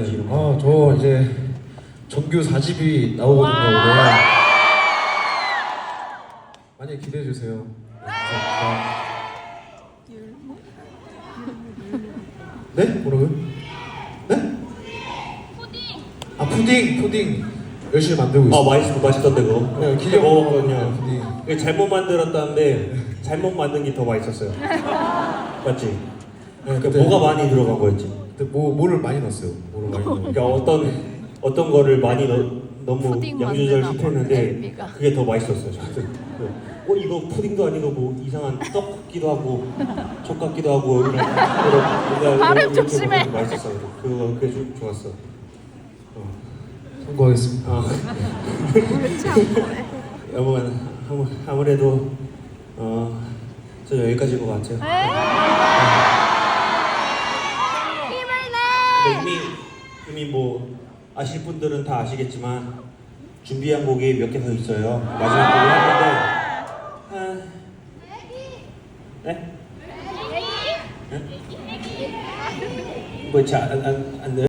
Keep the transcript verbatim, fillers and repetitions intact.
해야지. 이런 거. 아, 저 이제 정규 사 집이 나오거든요, 올해. 많이 기대해 주세요. 감사합니다. 네? 뭐라고요? 네? 아, 푸딩, 푸딩 열심히 만들고 있어요. 아 맛있 맛있던데 그거. 네, 기계 기계 먹었거든요. 푸딩. 이게 잘못 만들었다는데 잘못 만든 게 더 맛있었어요. 맞지? 네, 그러니까 그때- 뭐가 많이 들어간 거였지? 그때 뭐 뭐를 많이 넣었어요? 뭐를 많이 넣었어요? 그러니까 어떤 어떤 거를 많이 넣, 너무 푸딩 양조절 만드나 봐, 시켰는데 엘비가. 그게 더 맛있었어요. 저는. 어 이거 푸딩도 아니고 뭐 이상한 떡 같기도 하고 족 같기도 하고 이런 이런 뭔가 발음 이렇게 조심해. 먹으면 맛있었어요. 그거 그게 좀 좋았어. 어. 성공하겠습니다. 아. 여러분 아무, 아무래도 어, 저 여기까지인 것 같아요. 힘을 근데 이미 이미 뭐 아실 분들은 다 아시겠지만 준비한 곡이 몇 개 더 있어요. 마지막 곡을 하는데 아, 네? 네? 뭐잘안안 안, 안, 안,